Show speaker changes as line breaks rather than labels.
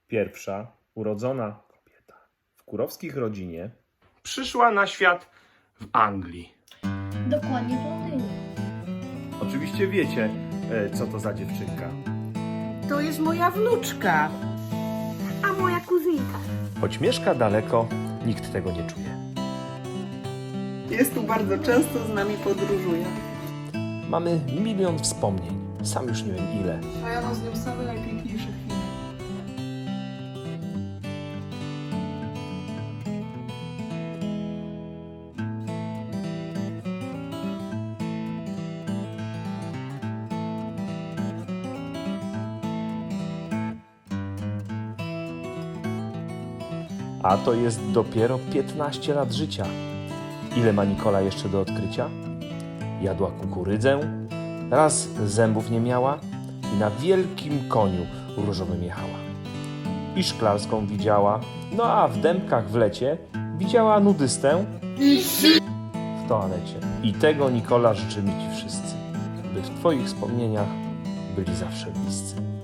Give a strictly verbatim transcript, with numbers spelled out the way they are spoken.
Pierwsza urodzona kobieta w kurowskich rodzinie przyszła na świat w Anglii.
Dokładnie w Londynie.
Oczywiście wiecie, e, co to za dziewczynka.
To jest moja wnuczka.
A moja kuzynka.
Choć mieszka daleko, nikt tego nie czuje.
Jest tu bardzo często, z nami podróżuje.
Mamy milion wspomnień, sam już nie wiem ile.
A ja mam z nią same najpiękniejsze chwile.
A to jest dopiero piętnaście lat życia. Ile ma Nikola jeszcze do odkrycia? Jadła kukurydzę, raz zębów nie miała i na wielkim koniu różowym jechała. I szklarską widziała, no a w dębkach w lecie widziała nudystę w toalecie. I tego, Nikola, życzymy Ci wszyscy, by w Twoich wspomnieniach byli zawsze bliscy.